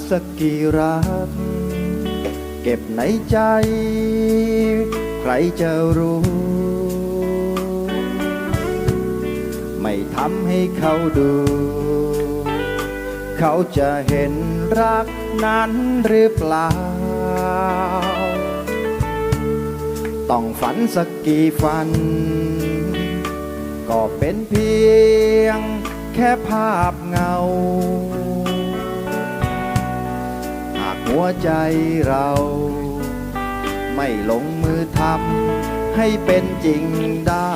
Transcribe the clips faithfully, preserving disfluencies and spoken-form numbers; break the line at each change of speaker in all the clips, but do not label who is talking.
สักกี่รักเก็บในใจใครจะรู้ไม่ทำให้เขาดูเขาจะเห็นรักนั้นหรือเปล่าต้องฝันสักกี่ฝันก็เป็นเพียงแค่ภาพเงาหากหัวใจเราไม่ลงมือทำให้เป็นจริงได้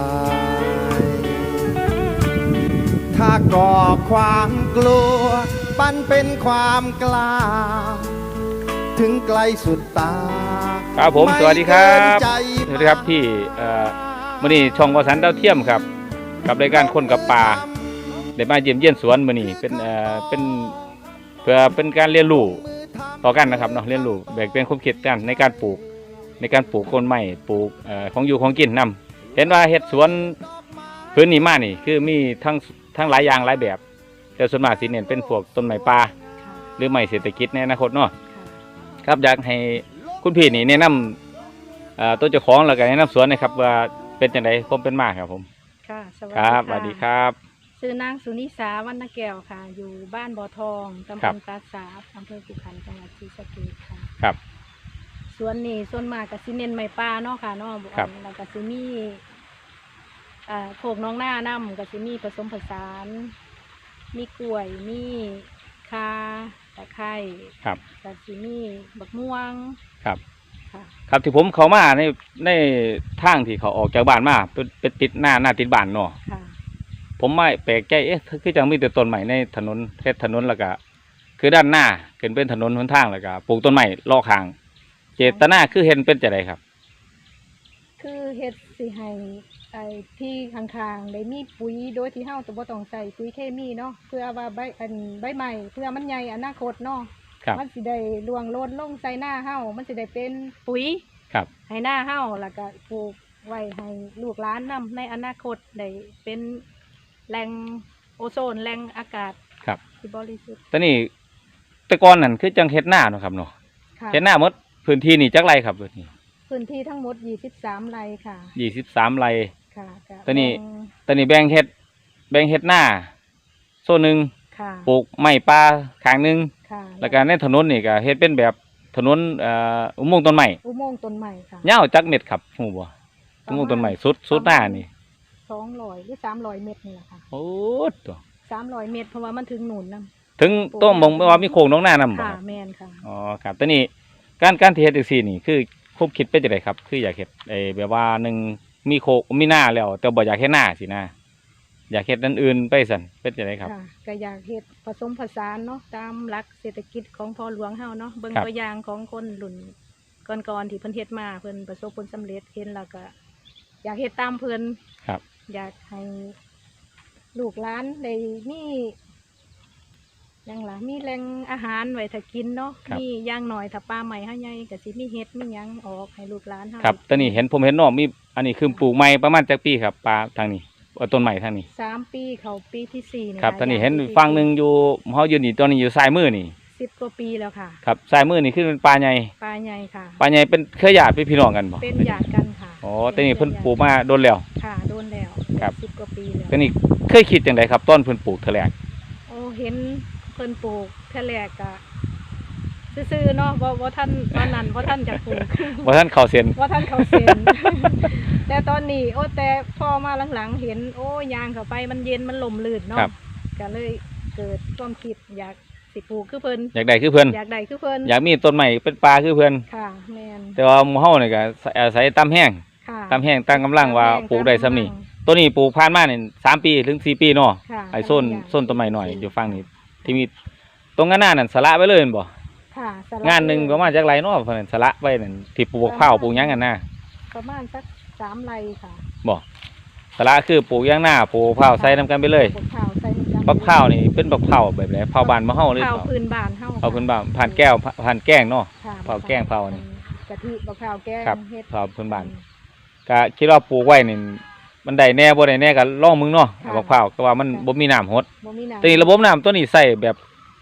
ถ้าก่อความกลัวปั้นเป็นความกล้าถึงไกลสุดตา
ครับผมสวัสดีครับสวัสดีครับพี่มื้อนี้ช่องวสันต์ดาวเทียมครับกับรายการคนกับป่าได้มาเยี่ยมเยี่ยนสวนมื้อนี้เป็นเอ่อเป็นเพื่อเป็นการเรียนรู้ต่อกันนะครับเนาะเรียนรู้แบ่งเป็นความคิดกันในการปลูกในการปลูกต้นไม้ปลูกเอ่อของอยู่ของกินนำเห็นว่าเฮ็ดสวนพื้นนี้มานี่คือมีทั้งทั้งหลายอย่างหลายแบบแต่ส่วนมากสิเน้นเป็นพวกต้นไม้ป่าหรือไม้เศรษฐกิจในอนาคตเนาะครับอยากให้คุณพี่นี่แนะนำตัวเจ้าของแล้วก็แนะนำสวนนะครับว่าเป็นจังได๋ผมเป็นมาครับผม
ค่ะสวัสดี
ครับสวัสดีครับ
ชื่อนางสุนิสาวรรณแก้วค่ะอยู่บ้านบ่อทองตำบลปราสาทอำเภอขุขันธ์จังหวัดศรีสะเกษค่ะ
ครับ
สวนนี่ส่วนมากก็สิเน้นไม้ป่าเนาะค่ะเนาะแล้วก็สิมีอ่าโขกน้องหน้าน้ำก็สิมีผสมผสานมีกล้วยมีคาตะไคร้
ครับ
ก็สิมีบักม่วง
ครับครับที่ผมเข้ามาในในทางที่เขาออกจากบ้านมาเป็นเป็นติดหน้าหน้าติดบ้านเนาะผมไม่แปลกใจเอ๊ะคือจังมีแต่ต้นใหม่ในถนนเฮ็ดถนนแล้วก็คือด้านหน้าขึ้นเป็นถนนหนทางแล้วก็ปลูกต้นใหม่รอข้างเจตนาคือเห็นเป็นจังไดครับ
คือเฮ็ดสิให้ไอ้ที่ข้างๆได้มีปุ๋ยโดยที่เฮาจะบ่ต้องใส่ปุ๋ยเคมีเนาะเพื่อว่าใบอันใบใหม่เพื่อมันใหญ่อนาคตเนาะมันสิได้รวงโลนลงใส่หน้าเฮามันสิได้เป็นปุ๋ย
ครับ
ให้หน้าเฮาแล้วก็ปลูกไว้ให้ลูกหลานนำในอนาคตได้เป็นแหล่งโอโซนแหล่งอากาศ
ครับ
ที่บริสุทธิ์
ตอนนี้แต่ก่อนนั่นคือจังเฮ็ดหน้าเนาะครับเนาะเฮ็ดหน้าหมดพื้นที่นี่จักไรครับพื้นที่
พื้นที่ทั้งหมดยี่สิบสามไร่ค่ะ
ยี่สิบสามไร่
ค่ะ
ตอนนี้ตอนนี้แบ่งเฮ็ดแบ่งเฮ็ดหน้าโซนหนึ่งปลูกไม้ป่าข้างนึงแล้วก็ในถนนนี่ก็เฮ็ดเป็นแบบถนนเอ่ออุโมงค์ต้นไม้
อุโมงค์ต้นไม้ค่ะ
ยาวจักเม็ดครับฮู้บ่อุโมงค์ต้นไม้สุดสุดหน้านี่
สองร้อยหรือสามร้อยเมตรนี่แหละค่ะ
โอ้ตัว
สามร้อยเมตรเพราะว่ามันถึงหนุนนำ
ถึงต้องมองว่ามีโค้งน้องหน้านำบ่
ค่ะแม่นค่ะ
อ๋อครับตอนนี้การการที่เฮ็ดจังซี่นี่คือควบคิดเป็นจังได๋ครับคืออยากเฮ็ดไอ้แบบว่าหนึ่งมีโคกมีหน้าแล้วแต่บ่อยากเฮ็ดหน้าสินะอยากเฮ็ดอันอื่นไปสั่นเป็นจังได๋ครับ
ค่ะก็อยากเฮ็ดผสมผสานเนาะตามหลักเศรษฐกิจของพ่อหลวงเฮาเนาะเบิ่งตัวอย่างของคนรุ่นก่อนๆที่เพิ่นเฮ็ดมาเพิ่นประสบผลสำเร็จเห็นแล้วก็อยากเฮ็ดตามเพิ่น
ครับ
อยากให้ลูกหลานได้มีอย่างล่ะมีแหล่งอาหารไว้ถ้ากินเนาะมีอย่างน้อยถ้าป่าใหม่เฮาใหญ่ก็สิมีเฮ็ดมีหยังออกให้ลูกหลานเฮา
ครับตอนนี้เห็นผมเห็นน้องมีอันนี้คือปลูกใหม่ประมาณจักปีครับป่าทางนี้ต้นใหม่ทางนี้
สามปีเข้าปีที่สี่นี่
ครับตอนนี้เห็นฝั่งนึงอยู่เฮาอยู่นี่ตอนนี้อยู่ซ้ายมือนี่
สิบกว่าปีแล้วค่ะ
ครับซ้ายมือนี่คือเป็นป่าใหญ่
ป่าใหญ่ค่ะ
ป่าใหญ่เป็นเคยญาติพี่น้องกันบ่
เป็นญาติกันค่ะ
อ๋อตอนนี้เพิ่นปลูกมาโดนแล้ว
ค่ะโดนแล้ว
ครับ
สิบกว่าปีแล้ว
ตอนนี้เคยคิดจังไดครับต้นเพิ่นปลูกเท่าแรก
โอ้เห็นเพิ่นปลูกเท่าแรกก็ซื่อๆเนาะบ่บ่ท่านตอนนั้นบ่ท่านจะปลูก
บ่ท่านเข้าเส้น
บ่ท่านเข้าเส้นแต่ตอนนี้โอ้แต่พอมาหลังๆเห็นโอ้ยางเข้าไปมันเย็นมันลมลื่นเนาะก็เลยเกิดความคิดอยากสิปลูกคือเพิ่น
อยากได้คือเพิ่น
อยากได้คือเพิ่น
อยากมีต้นใหม่เป็นป่าคือเพิ่น
ค่ะแม่น
แต่ว่าหมู่เฮานี่ก็อาศัยตำแห้งตำแห้งตั้งกำลังว่าปลูกได้ซ้ำนี่ตัวนี้ปลูกผ่านมานี่สามปีถึงสี่ปีเนาะไอ้โซนโซนต้นใหม่หน่อยอยู่ฝั่งนี้ที่มีตรงหน้านั่นสละไว้เลยแม่นบ่
ค่ะ
งานนึงประมาณจักไรเนาะเพิ่นสละไว้นั่นที่ปลูกข้าวปลูกหยังกันน่ะ
ประมาณสักสามไร่ค่ะ
บ่สละคือปลูกหยังหน้าปลูกข้าวใส่นำกันไปเลยบักข้าวนี่เป็นบักข้าวแบบไหนข้าวบ้านมะเฮาเลย
ข้าวพื้นบ้านเฮา
ข้าวพื้นบ้านผ่านแก้วผ่านแกงเนาะข้าวแกงข้าวนี่
กะทิบักข้าวแกง
เฮ็ดข้าวพื้นบ้านก็คิดว่าปลูกไว้นี่มันได้แน่บ่ได้แน่ก็ลองมึงเนาะบักข้าวก็ว่ามันบ่มีน้ำหด
บ่มีน้ำ
แต่ระบบน้ำตัวนี้ใส่แบบ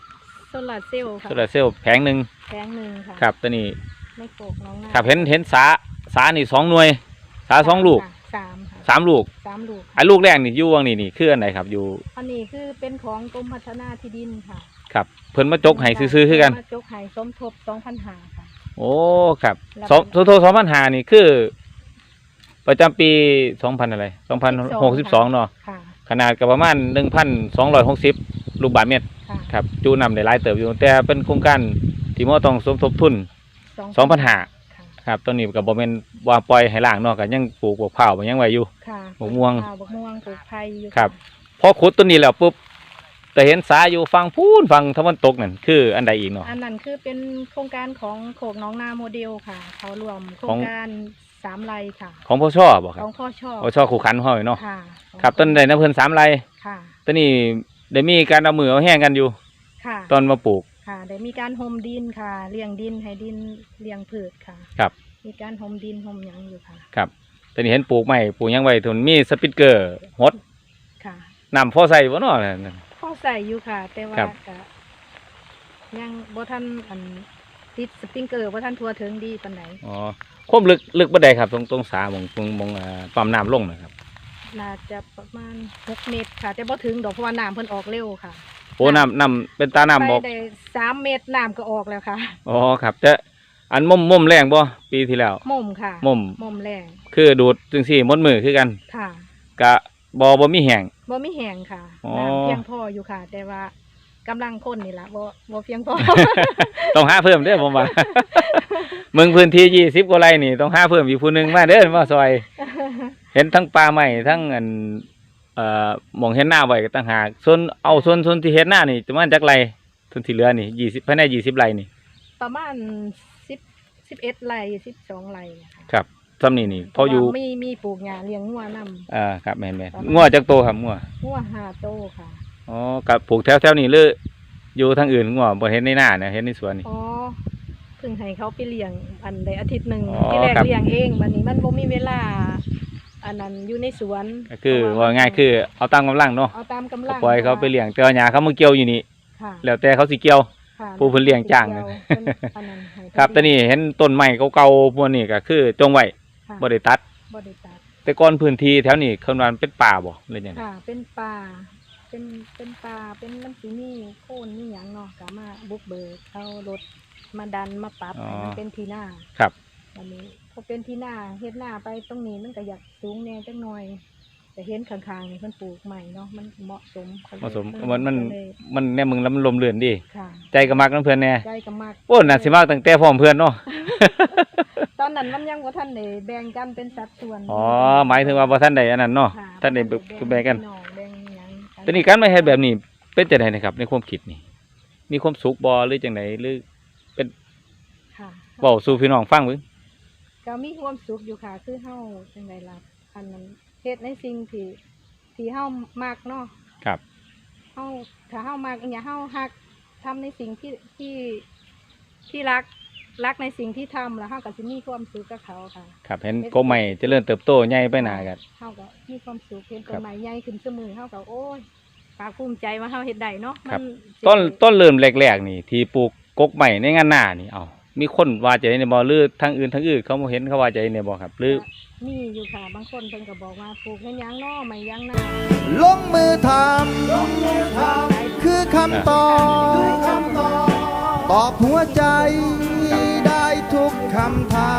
โซลาร์เซลล์ค่ะ
โซลาร์เซลล์แผงหนึ่ง
แผงหนึ่งค่ะ
ครับตัวนี้
ในโกกน้องนา
ครับเห็นเห็นสาสานี่สองหน่วยสาสองลูก
ค่ะสามค่ะ
สามลูก
สามลูก
ไอ้ลูกแรกนี่อยู่วังนี่นี่คืออันไหนครับอยู่
อันนี้คือเป็นของกรมพัฒนาที่ดินค่ะ
ครับเพิ่นมาจกให้ซื้อๆคือกัน
มาจกให้สมทบสองพันห้าค่ะ
โอ้ครับ
แล้ว
สองโทโทสองพันหานี่คือ ประจำปีสองพันอะไรสองพันหกสิบสองเนาะ
ค่ะ
ขนาดก็ประมาณหนึ่งพันสองร้อยหกสิบลูกบาศก์เมตร
ค่ะ
ครับจูนำได้หลายเติบอยู่แต่เป็นโครงการที่มอต้องสมทบทุนสองพันหา
ค่ะ
ครับตอนนี้ก็บ่แม่นว่าปล่อยให้ล่างเนาะก็ยังปลูกบวกเผาบ่ยังไว้อยู่
ค่ะ
บักม่วง
ค่ะบักม่วงปลูกไผ่อยู่
ครับ พอขุดตัวนี้แล้วปุ๊บแต่เห็นสาอยู่ฝั่งพูนฝั่งตะวันตกนั่นคืออันใดอีกเนาะ
อันนั้นคือเป็นโครงการของโขกน้องนาโมเดลค่ะ เขารวมโครงการสามไร่ค่ะ
ของพ่อชอบ่ค
ข
รับ
องพ่อชอบ
พ่อชอคู่ขันเฮาเนาะ
ค่ะ
ครับต้นใดน้ำเพิ่นสามไร่
ค่ะ
ตอนนี้ได้มีการเอามือเอาแห้งกันอยู่
ค่ะ
ตอนมาปลูก
ค่ะได้มีการห่มดินค่ะเลี้ยงดินให้ดินเลี้ยงพืชค่ะ
ครับ
มีการห่มดินห่มหยังอยู่ค่ะ
ครับตอนนี้เห็นปลูกใหม่ปลูกหยังไว้ทุนมีสปริงเกอร์ฮด
ค่ะ
น้ำพอใส่บ่เนาะนั่น
พ่อใส่อยู่ค่ะ แต่ว่า
ครับ
ก็ยังบ่ทันอันติดสปริงเกอร์บ่ทันทั่วถึงดีปานใด
อ๋อความลึกลึกบ่ได้ครับตรงตรงสาหมองตรงหมองอ่าปั๊มน้ำลงนะครับ
น่าจะประมาณหกเมตรค่ะ แต่บ่ถึงดอกเพราะว่าน้ำเพิ่นออกเร็วค่ะ
โอ้น้ำน้ำเป็นตาน้ำ
ไป
บ่
ได้สามเมตรน้ำก็ออกแล้วค่ะ
อ๋อครับแต่อันม่มม่มแรงบ่ปีที่แล้ว
ม่มค่ะ
ม่ม
ม่มแรง
คือดูดจังซี่หมดมือคือกัน
ค่ะ
กะบ่บ่มีแห้ง
บ่มีแห้งค่ะ
อ๋อ
น้ำเพียงพออยู่ค่ะ แต่ว่ากำลังคนนี่ล่ะบ่บ่เพียงพอ
ต้องหาเพิ่มเด้อผมว่า เมืองพื้นที่ยี่สิบกว่าไร่นี่ต้องหาเพิ่มอีกผู้หนึงมาเด้อมาซอย เห็นทั้งป่าไม้ทั้งอันเอ่อหมองเห็นหน้าไว้ก็ต่างหากส่วนเอาส่วนส่วนที่เห็นหน้านี่ประมาณจักไรส่วนที่เหลือนี่ยี่สิบภายในยี่สิบไร่นี่
ประมาณสิบ สิบเอ็ดไร่สิบสองไร่นะคะ
ครับซ้ำนี่นี่พออยู่
มีมีปลูกหญ้าเลี้ยงงัวนำ
อ่าครับแม่นแม่นงัวจักโตครับงัว
งัวห้าโตค่ะ
อ๋อกับปลูกแถวแถวนี้หรืออยู่ทางอื่นงัวบ่เห็นในหน้านะเห็นในสวนนี่
อ๋อเพิ่งให้เขาไปเลี้ยงอันใดอาทิตย์หนึ่ง
อ๋อ
ที่แรก
ครับ
เลี้ยงเองวันนี้มันบ่มีเวลา อันนั้นอยู่ในสวน
ก็คือ
เพระ
ว่าง่ายคือเอาตามกำลังเนาะ
เอาตามกำ
ก็
ลัง
ปล่อยเขาไปเลี้ยงแต่ว่าหญ้าเขามาเกี่ยวอยู่นี่
ค่ะ
แล้วแต่เขาสิเกี่ยว
ค่ะ
ผู้เพิ่นเลี้ยงจ้าง
เดี๋
นะ
ยวเพิ่นอันนั้นให้
ครับตอนนี้เห็นต้นไม้เก่าๆพวกนี้ก็คือจงไว้
ค่ะ
บ่ได้ตัด
บ่ได้ตัด
แต่ก่อนพื้นที่แถวนี้เขาว่ามันเป็นป่าบ่หรือยังไง
ค่ะ เป็นป่าเป็นเป็นป่าเป็นน้ำสีนี่โค่นนี่หยังเนาะก็มาบุกเบิกเอารถมาดันมาปรับให้มันเป็นที่หน้า
ครับ
อันนี้พอเป็นที่หน้าเฮ็ดหน้าไปตรงนี้มันก็อยากสูงแน่จังหน่อยแต่เห็นข้างๆนี่เพิ่นปลูกใหม่เนาะมันเหมาะสมก็เลย
เหมาะสม
เออ
มันมัน
ก็เลย
มันแน่มึงแล้วมันลมเลื่อนดี
ค่ะ
ใจก็มักน้ำเพื่อนแน่
ใจก็มาก
โอ้น่าสิมากตั้งแต่พร้อมเพื่อนเนาะ
ตอนนั้นมันยังบ่ทันได้แบ่งกันเป็นสัดส่วน
อ๋อหมายถึงว่าบ่ท่านใดอันนั้นเนาะ
ค่ะ
ท่านใดแบ่งกัน
พี่องแบ่งหยัง
แตอนนี้การมาเฮ็ดแบบนี้เป็นจังไดนะครับ ในความคิดนี่ มีความสุขบ่หรือจังไดหรือ
ค่ะ
เว้าสู่พี่น้องฟังเบิ่ง
ก็มีความสุขอยู่ค่ะ คือเฮาจังไดล่ะอันนั้นเฮ็ดในสิ่งที่ที่เฮามักเนาะ
ครับ
เฮาถ้าเฮามักอหย่างเฮาฮักทำในสิ่งที่ที่ที่รักรักในสิ่งที่ทำแล้วเฮาก็สิมีความสุขกับเขาค่ะ
ครับเห็นกบใหม่เจริญเติบโตใหญ่ไปหน้ากัน
เฮาก็มีความสุขเห็น
ครั
ต้น
บ
ไม้ใหญ่ขึ้นเสมอเฮาก็โอ้ยภาคภูมิใจว่าเฮาเฮ็ดได้เนาะ
ครับ
มันสิ
ต้นต้นเริ่มแรกๆนี่ ที่ปลูกกกใหม่ในงานหน้านี่เอ้ามีคนว่าใจในบ่หรือทางอื่นทางอื่นเขาบ่เห็นเขาว่าใจในบ่ครับ หรือ
มีอยู่ค่ะบางคนเพิ่นก็บอกว่าปลูกให้หยังเนาะไม่หยังนา
ลงมือทำคือคำตอบตอบหัวใจได้ทุกคำถาม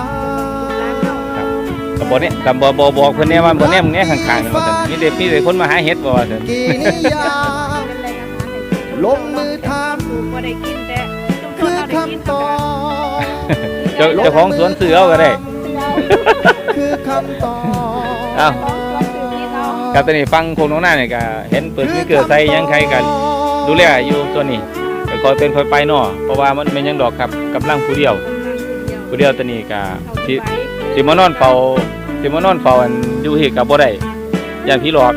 ก็บ่เนี่ยก็บ่บ่บอกเพิ่นแน่ว่าบ่แน่มึงแน่ข้างๆนี่ว่าซั่นมีแต่มีแต่คนมาหาเห็ดบ่ว่าซั่น
กี่นิยาม
เป็นแรงอาหารให้
ลงมือท
ปลูกบ่ได้กินแต่ชุม
ำ
ช
คื
น
อ
เราได้กิน
คำตอบ
เจ้าเจ้าของสวนซื้อเอาก็ได้
คือคำตอบ
เอ้า
ของสวนซื้อกินเอา
ครับตอนนี้ฟังคงน้องหน้านี่ก็เห็นเปิดมีเกลือใส่หยังใครกันดูแลอยู่ตัวนี้ก็คอยเป็นคอยไปเนาะเพราะว่ามันเป็นหยังดอกครับกำลังผู้เดียวผู้เดียวตัวนี้ก็สิสิมานอนเฝ้าสิมานอนเฝ้าอันอยู่ที่ก็บ่ได้ย่านผีหลอก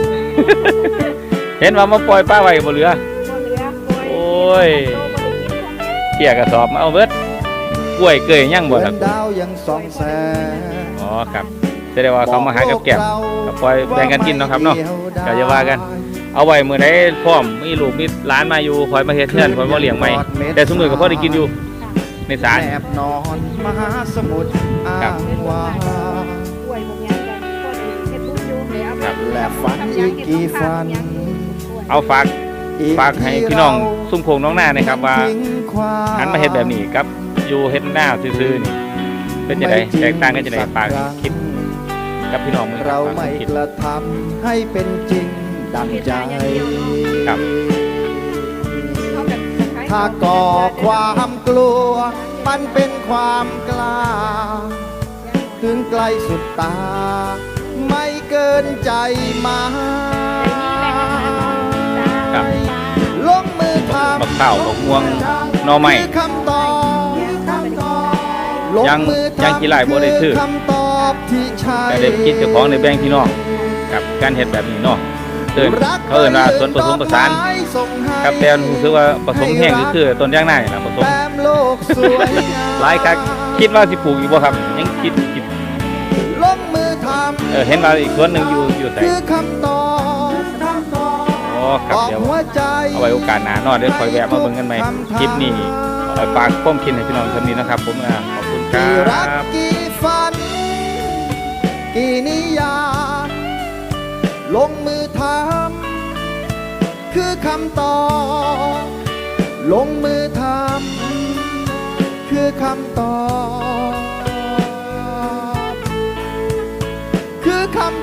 เห็นว่ามาปล่อยป้าไว้บ่เหลือ
บ่เหลือโอ้ย
โอ้ย เกี่ยกระสอบมาเอาเบิดกล้วยเกยยังบ่
เหมื
ค
อ
รับ
นดาวยังส่องแสง
อ๋อครับแสดงว่าเขามาหากับแก้มก็ปล่อยแบ่งกันกินเนาะครับเนาะ ก็อย่าว่ากันเอาไว้มื้อใดพร้อมมีลูกมีหลานมาอยู่คอยมาเฮ็ดเฮือนคอยมาเลี้ยงใหม่แต่ซุมื้อก็พอได้กินอยู่ในศาล
แอบนอนมหาสมุทรอ้างว้าง
ป่วยพวกนี้กันพวกเฮ็ดบุญอยู่ให้เอาไป
และฝันอีกกี่ฝัน
เอาฝากฝากให้พี่น้องซุ่มโคงน้องหน้านะครับว่าหันมาเฮ็ดแบบนี้กับอยู่เฮ็ดหน้าซื่อๆนี่เป็นจังไดแตกต่างกันจังไดฝากคิดกับพี่น้องมื้อ
เรา
ฝาก
ไม่
คิด
กระทำให้เป็นจริงดังใจ
ครับ
ถ้าก่อความกลัวมันเป็นความกล้า ถึงไกลสุดตา ไม่เกินใจมา
ครับ
ลงมือทำ
บักข้าวบักม่วงหน่อไม้
คือคำตอบ
ยัง
ลมือทำ
ยังกี่ไร่บ่ได้ซื้อ
คืคำตอบที่ใช่
แต่ได้คิดเจ้าของในแบ่งพี่น้องกับการเฮ็ดแบบนี้เนาะเอิ้นเขาเอิ้นว่าสวนผสมผสานครับแต่รู้สึกว่าผสมแห้งก็คือต้นยางนานี่ล่ะผสม
แต้มโลกสวยงาม
หลายคักคิดว่าสิปลูกอีกบ่ครับยังคิดคิด
ลงมือทำ
เออเห็นว่าอีกสวนหนึงอยู่อยู่ไส
คือคำตอบ
อ๋อครับ
บอก
เดี๋ยว
หัวใจ
เอาไว้โอกาสหน้าเนาะเดี๋ยวคอยแวะมาเบิ่งกันใหม่คลิปนี้เอาฝากความคิดให้พี่น้องท่านนี้นะครับผมอ่าขอบคุณครั
กี่รัก
บ
กี่ฝัน กี่นิยามลงมือทำคือคำตอบลงมือทำคือคำตอบคือคำ